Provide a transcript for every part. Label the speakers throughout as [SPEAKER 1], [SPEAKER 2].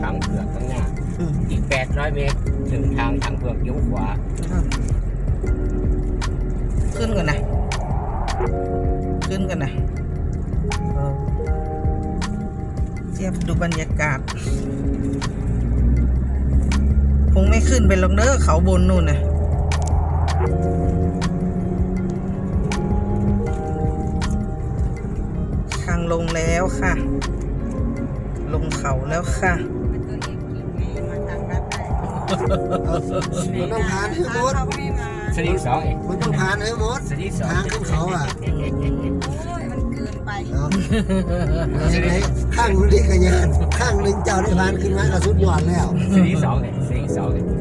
[SPEAKER 1] ช้างเผือกข้างหน้าอีก800 เมตรถึงทางช้างเผือกเลี้ยวขวา
[SPEAKER 2] ขึ้นกันนะเทียบดูบรรยากาศคงไม่ขึ้นไปลงเด้อเขาบนนู่นนะทางลงแล้วค่ะลงเขาแล้วค่ะ
[SPEAKER 3] มันต้องผ่านให้หมด
[SPEAKER 1] สลิง2เอง
[SPEAKER 3] มันต้องผ่านให้หมด
[SPEAKER 1] สลิง2
[SPEAKER 3] ทางขึ้นเขาอ่ะ
[SPEAKER 4] มันเกินไป
[SPEAKER 3] ข้างนึงขยันข้างนึงเจ้าได้ผ่านขึ้นมาก็สุดยอดแล้ว
[SPEAKER 1] สลิง2เลยสลิง2เลย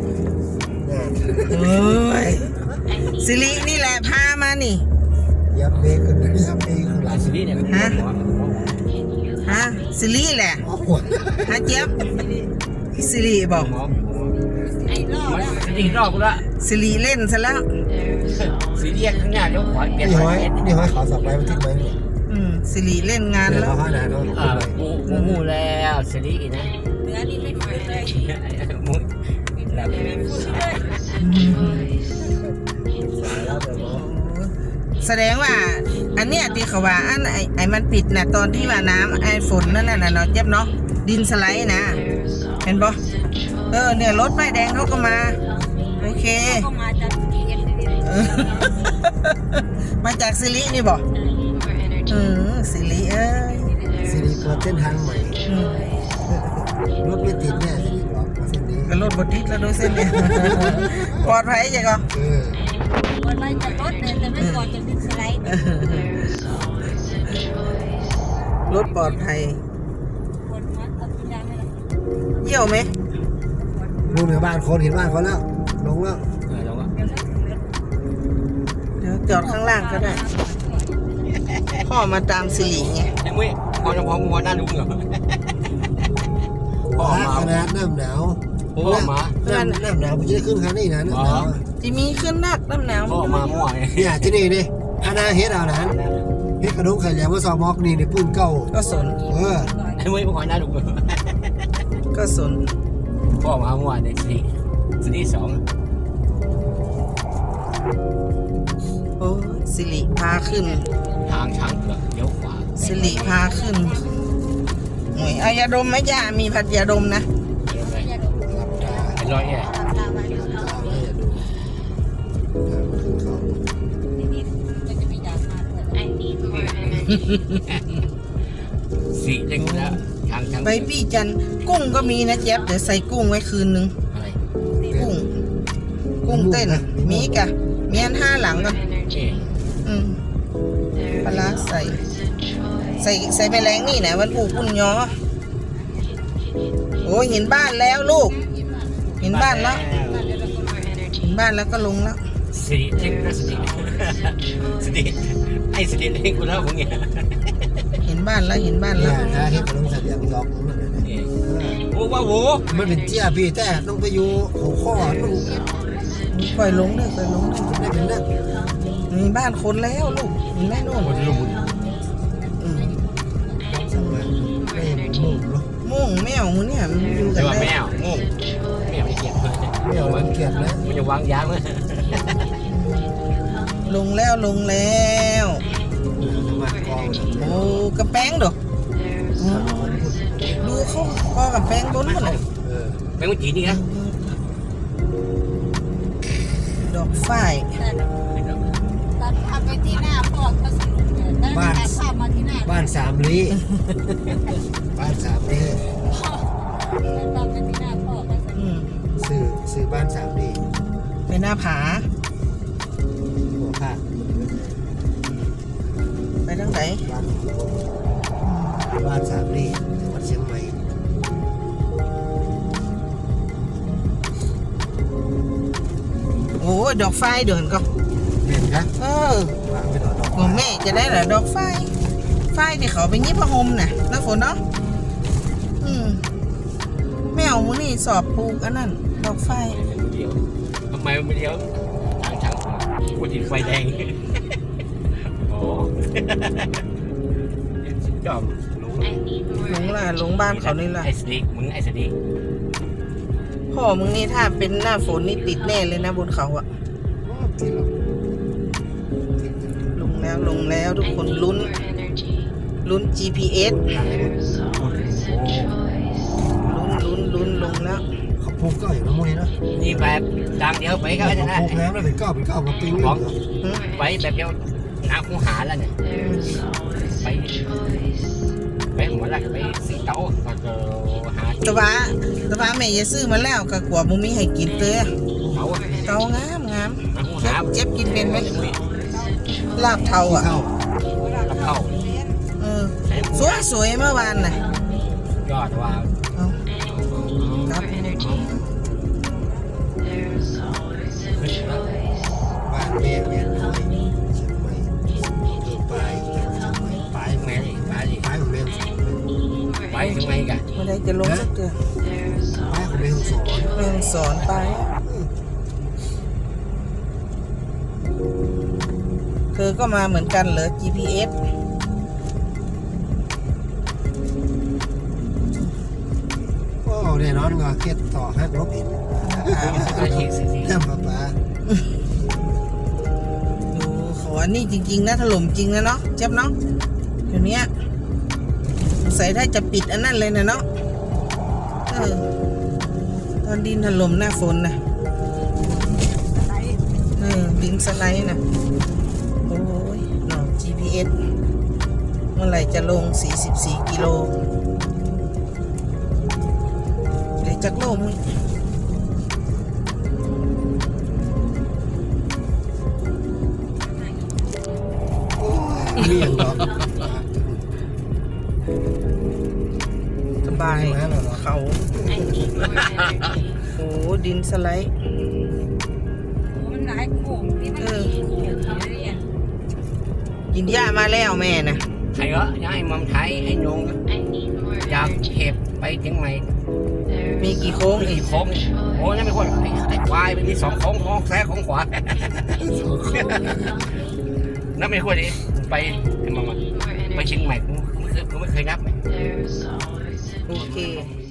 [SPEAKER 2] สิรินี่แหละพามานี่
[SPEAKER 3] ยับเบรกกันยับเบรกขึ้นหลัง
[SPEAKER 1] สิริเนี่ย
[SPEAKER 2] ฮะสิริแหละฮะเจี๊ยบสิริบอก
[SPEAKER 4] ไอ้รอบแล้ว
[SPEAKER 1] สลิงรอบกูละ
[SPEAKER 2] สิริเล่นซะแล้ว
[SPEAKER 1] สิริข้างหน้าเลี้ยวขวาเปลี่ยน
[SPEAKER 3] นี่ห้อยขอสอบไปมันทิ้งไหมเนี่ย
[SPEAKER 2] สิริเล่นงานแล้ว
[SPEAKER 1] มูแล้วสิรินะ
[SPEAKER 4] เนื้อนี่ไม่เหมือนเลย
[SPEAKER 1] มู
[SPEAKER 4] แบบไม่พูดเลย
[SPEAKER 2] แสดงว่าอันเนี้ยที่เขาว่าอันไอ้มันปิดนะตอนที่ว่าน้ำไอ้ฝนนั่นน่ะเนาะเจ็บเนาะดินสไลด์นะเห็นปะเนี่ยรถป้ายแดงเขาก็มาโอเค
[SPEAKER 4] ก็มาจากทีเอ็น
[SPEAKER 2] มาจากสิรินี่บอกสิริ
[SPEAKER 3] สิริเปิดเส้นทางใหม่รถไม่ติดเนี่ยสิริบอกมาเส้นนี้
[SPEAKER 2] ก็รถบดติดแล้วด้วยเส้นเนี่ยปลอดภัยจังก็
[SPEAKER 4] ปลอดภัยจากรถแต่ไม่ปลอดจากดินสไลด์
[SPEAKER 2] รถปลอดภัย
[SPEAKER 4] ปวดหัวตัดยางไม่ละ
[SPEAKER 2] เยี่ยวไหม
[SPEAKER 3] ดูเหนือบ้านคนเห็นบ้านเขาแล้วลงแล้ว
[SPEAKER 2] เดี๋ยวจอดข้างล่างก็ได้พ่อมาตามสิริไง
[SPEAKER 1] ไอ้มุ้ยพอจะพอมัวหน้าดุ้งเหรอ
[SPEAKER 3] พ่อมาขนาดน้ำหนาว
[SPEAKER 1] พ่อมา
[SPEAKER 3] น้ำหนาวผมจะได้ขึ้นคันนี้นะน้ำหนาว
[SPEAKER 2] ที่มีขึ้นนักน้ำหนาว
[SPEAKER 1] พ่อมามั่ว
[SPEAKER 3] เนี่ยที่นี่ดิอาณาเฮ็ดเอานะเฮ็ดกระดูกไข่แหลมว่าซอมอกนี่ในปืนเก่า
[SPEAKER 2] ก็สน
[SPEAKER 1] ไอ้มุ้ยพอหน้าดุ้ง
[SPEAKER 2] ก็สน
[SPEAKER 1] พ่อมามั่วในสิริ2
[SPEAKER 2] โอ้สิริพาขึ้น
[SPEAKER 1] ทางช้างเผือกเลี้ยวขวา
[SPEAKER 2] สิริพาขึ้นหน่วยเอายาดมไหมย่ามีผัดยาดมนะ
[SPEAKER 1] เป็นร้อยเนี่ยสีเล็กแล้วทาง
[SPEAKER 2] ไปพี่จันกุ้งก็มีนะเจี๊ยบเดี๋ยวใส่กุ้งไว้คืนนึงกุ้งเต้นมีกะมีอัน5หลังกันปลาใส่ไปแรงนี่นะวันผูกปุ่นยอโอ้เห็นบ้านแล้วลูกเห็นบ้านแล้วก็ลงแล้ว
[SPEAKER 1] สิริเล็กนะสิริไอ้สิริเล็กกูแล้วมึงเนี่ย
[SPEAKER 2] เห็นบ้านแล้ว
[SPEAKER 3] ถ้าเห็นกระดูกสัตว์อย่างล็อก
[SPEAKER 1] โอ้ว้าว
[SPEAKER 3] มันเป็นเจี๊ยพี่แต่ต้องไปอยู่หัวข้อต้อง
[SPEAKER 2] ปล่อยลงเลยได้
[SPEAKER 3] เป็นนั่น
[SPEAKER 2] มีบ้านคนแล้วลูกมีแม่นู่นมุ่งแมวมึงเนี่ยมันอยู่กัน
[SPEAKER 1] ได้แมวไม่เกลียด
[SPEAKER 3] แมวมันเกลียดนะ
[SPEAKER 1] มันจะวางยามั้ย
[SPEAKER 2] ลงแล้วโอ้กระแป้งดูเขาพอกับแป้งล้นหมดเลย
[SPEAKER 1] แป้งมันจีนี่นะ
[SPEAKER 2] ดอกฝ้าย
[SPEAKER 4] ตัดภาพไปที่หน้าพ่อก็สนุกเลยได้ถ่ายภาพมาที่หน้า
[SPEAKER 3] บ้าน3 ลี้บ้าน3 ลี้
[SPEAKER 4] ภาพไปที่หน้าพ่อก็สนุก
[SPEAKER 3] ซื้อบ้าน3 ลี้
[SPEAKER 2] เป็นหน้าผา
[SPEAKER 3] หัวผ้า
[SPEAKER 2] ไปทางไหน
[SPEAKER 3] บ้าน3 ลี้จังหวัดเชียงใหม่
[SPEAKER 2] โอ้ดอกไฟเดินก็
[SPEAKER 3] เห็นครับ
[SPEAKER 2] ของแม่จะได้เหรอดอกไฟที่เขาไปยิบพะฮมน่ะน้าฝนเนาะแมวมึงนี่สอบปลูกอันนั้นดอกไฟ
[SPEAKER 1] ทำไมมันไม่เลี้ยวทางกูติดไฟแดงโอ้จอมรู้
[SPEAKER 2] หลงล่ะหลงบ้านเขานี่ล่ะ
[SPEAKER 1] ไอ้สติกมึงไอ้สติก
[SPEAKER 2] พ่อมึงนี่ถ้าเป็นหน้าฝนนี่ติดแน่เลยนะบนเขาอะ
[SPEAKER 3] ที่เรา
[SPEAKER 2] ลงแล้วทุกคนลุ้น GPS ลุ้นลงแล้ว
[SPEAKER 3] เขาพูกก็อยู่น้ำมูนี่นะ
[SPEAKER 1] นี่แบบดังเดียวไปก็ได้นะ
[SPEAKER 3] พูกแล้วนะเป็นเก้ากับปิงเลย
[SPEAKER 1] ไปแบบเดียวน้ำคูหาแล้วเนี่ยไปหัวละไปสีเต้าก็หา
[SPEAKER 2] ตะวาแม่อย่าซื้อมาแล้วก็กลัวบ่มีให้กินเต้อ
[SPEAKER 1] เต้า
[SPEAKER 2] เตางาม
[SPEAKER 1] น้ำคูหา
[SPEAKER 2] เจ็บกินเป็นไหมลาบเทาอ่ะ
[SPEAKER 3] เข้า
[SPEAKER 1] กับเข้า
[SPEAKER 2] เออสวยเมื่อวานน่ะ
[SPEAKER 1] ยอดว่า
[SPEAKER 2] เอาครับ
[SPEAKER 3] บ้านแม่เวียนเลยเชียงใหม่ปลาย
[SPEAKER 1] แม่ดิไปดิ
[SPEAKER 3] ปลายของแม่
[SPEAKER 1] ไปทำไมกัน
[SPEAKER 2] เมื่อไรจะลงสักเดือน
[SPEAKER 3] ปลายของแม่สอน
[SPEAKER 2] แม่สอนไปเธอก็มาเหมือนกันเหรอ GPS
[SPEAKER 3] โอ้แน่นอนว่าเคสต่อให้ลบเห็น
[SPEAKER 1] ก็ทีสิ
[SPEAKER 3] เรื่องป้า
[SPEAKER 2] ดูขอนี่จริงๆนะถล่มจริงนะเนาะเจ็บเนาะเดี๋ยวนี้สงสัยถ้าจะปิดอันนั้นเลยนะเนาะตอนดินถล่มหน้าฝนนะดินสไลด์นะโอ้ยเนาะ GPS เมื่อไหร่จะลง44กิโลเดี๋ยวจักโลมึง
[SPEAKER 3] เลี่ยงเนาะ
[SPEAKER 2] สบายเขาโอ้ดินสไลด์
[SPEAKER 4] มันหลายโค้งที่มันมีโค้งเรียน
[SPEAKER 2] กินหญ้ามาแล้วแม่นะ
[SPEAKER 1] ใครก็ย้ายมัมไทยไอ้นงอยากเห็บไปเชียงใหม่
[SPEAKER 2] มีกี่โค้งอี
[SPEAKER 1] อี
[SPEAKER 2] ก
[SPEAKER 1] กโค้งโอ้นั่นไม่ควรไอ้ควายมันมี2โค้งของซ้ายของขวานับไม่ควรดิไปไปเชียงใหม่กูไม่เคยนับ
[SPEAKER 2] โอเค